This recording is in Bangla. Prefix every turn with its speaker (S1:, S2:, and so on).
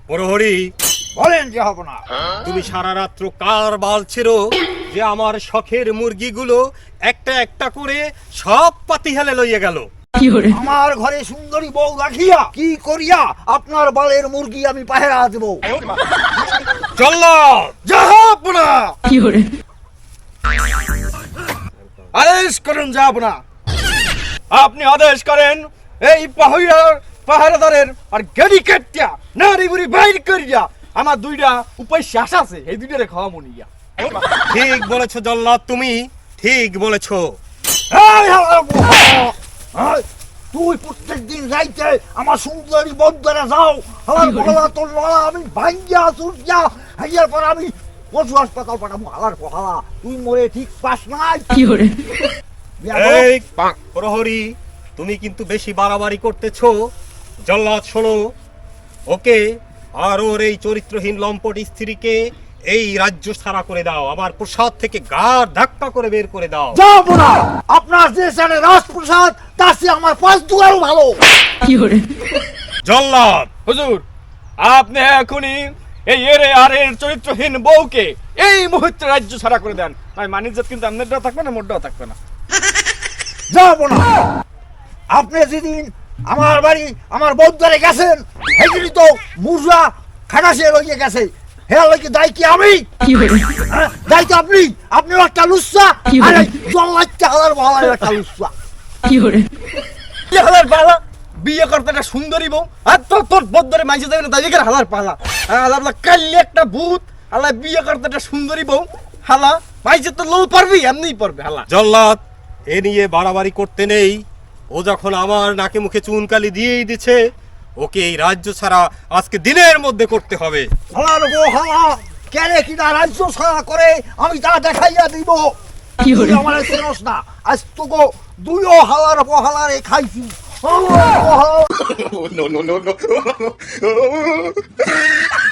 S1: প্রহরী,
S2: বলেন যে হব না।
S1: তুমি সারা রাত্র কার বাল ছেড়ো যে আমার শখের মুরগিগুলো একটা একটা করে সব পাতিহালে লইয়া গেল?
S2: আমার ঘরে সুন্দরী বউ রাখিয়া কি করিয়া আপনার বালের মুরগি আমি পাহেরা দেব?
S1: জল্লাদ,
S2: যাব না। আদেশ করেন, যাব না।
S1: আপনি আদেশ করেন
S2: এই পাহারাদারের আর গেড়ি কাটিয়া নারী বুড়ি বাইর করিয়া আমার দুইটা উপায় শেষ আছে, এই দুইটারে খাওয়া মনিয়া।
S1: ঠিক বলেছো জল্লাদ, তুমি ঠিক বলেছো।
S2: এই হালার বুড়া! এই, তুই প্রত্যেক দিন রাইতে আমার সুন্দরী বন্ধুরা যাও, আমার গলা তোর লড়া আমি ভাঙ্গিয়া চুরিয়া হাইয়ার পর আমি পশু হাসপাতাল পাঠাবো। হালার পোহালা, তুই মরে ঠিক পাস নাই।
S1: এই প্রহরী, তুমি কিন্তু বেশি বাড়াবাড়ি করতেছো। জল্লাদ শোনো, ওকে আর ওর এই চরিত্রহীন লম্পট স্ত্রীকে এই রাজ্য ছাড়া করে দাও, আমার প্রসাদ থেকে গাড় ধাক্কা করে বের করে দাও।
S2: যাব না। আপনার যে সাথে রাজপ্রসাদ তার চেয়ে আমার পাঁচ দুয়ারও ভালো।
S1: জল্লাদ,
S3: হুজুর, আপনি এখনই এই এরে আর এর চরিত্রহীন বউকে এই মুহূর্তে রাজ্য ছাড়া করে দেন। ভাই মানিজ্জাত কিন্তু আপনারটাও থাকবে না, মোটটাও থাকবে না।
S2: যাব না। আপনি যেদিন আমার বাড়ি আমার বৌদ্ধারে গেছেন সেদিনই তো মুরজা খাটাসে লইয়ে গেছে। হ্যাঁ লইকে দায় কি আমি? হ্যাঁ, দায় তো আপনি। আপনিও একটা লুচ্চা আর জল্লাচ্চা হালার বহালার একটা লুচ্চা।
S3: হালার পালা বিয়ে করতে একটা সুন্দরী বউ আর তোর বদ্ধরে মাইসে যাবে না, তাই হালার পালা। হালার কাল্লি একটা ভূত, হালা বিয়ে করতে একটা সুন্দরী বউ, হালা মাইসে তো লোল পারবি, এমনিই পারবে হালা।
S1: জল্লাদ, এ নিয়ে বাড়াবাড়ি করতে নেই। ও যখন আমার নাকে মুখে চুনকালি দিয়েই দিচ্ছে, ওকে এই রাজ্য ছাড়া আজকে দিনের মধ্যে করতে হবে।
S2: হালার বহালা কেড়ে কিনা রাজ্য ছাড়া করে আমি তা দেখাইয়া দিব। তুই আমার চেনস না, আজ তোকে দুইও হালার বহালারে খাইছি। হালার বহালা